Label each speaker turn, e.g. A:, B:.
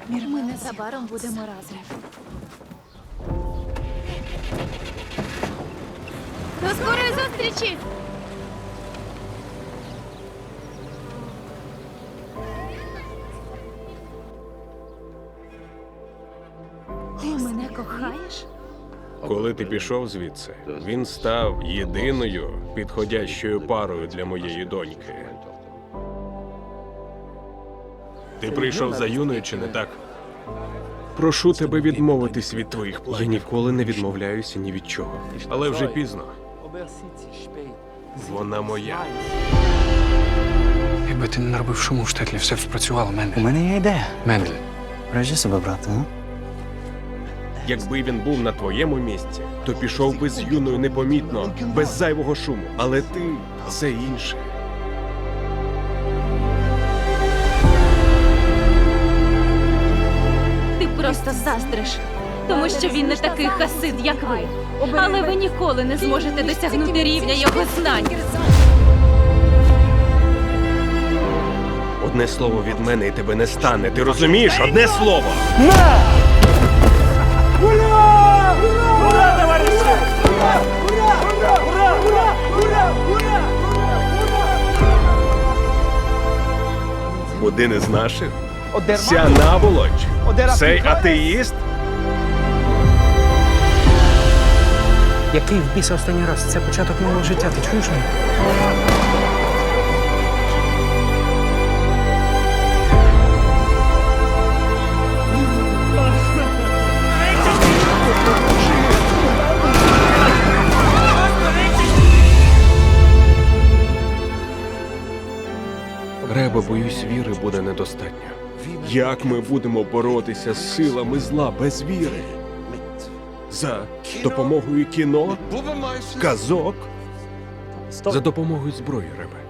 A: Ми незабаром будемо разом. До скорої зустрічі! Ти мене кохаєш?
B: Коли ти пішов звідси, він став єдиною підходящою парою для моєї доньки. Ти прийшов за Юною, чи не так? Прошу тебе відмовитись від твоїх планів. Я ніколи не відмовляюся ні від чого. Але вже пізно. Вона моя.
C: Якби ти не наробив шуму в штетлі, все б спрацювало,
D: У
C: Мендель.
D: мене є ідея.
C: Мендель.
D: Бережи себе, брате, а?
B: Якби він був на твоєму місці, то пішов би з Юною непомітно, без зайвого шуму. Але ти – це інше.
A: Ти просто заздриш, тому що він не такий хасид, як ви. Але ви ніколи не зможете досягнути рівня його знань.
B: Одне слово від мене і тебе не стане. Ти розумієш? Одне слово! Один із наших? Ця наволоч? Цей атеїст?
C: Який в біса останній раз? Це початок нового життя, ти чуєш мене?
B: Ребе, боюсь, віри буде недостатньо. Як ми будемо боротися з силами зла без віри? За допомогою кіно? Казок? За допомогою зброї, Ребе.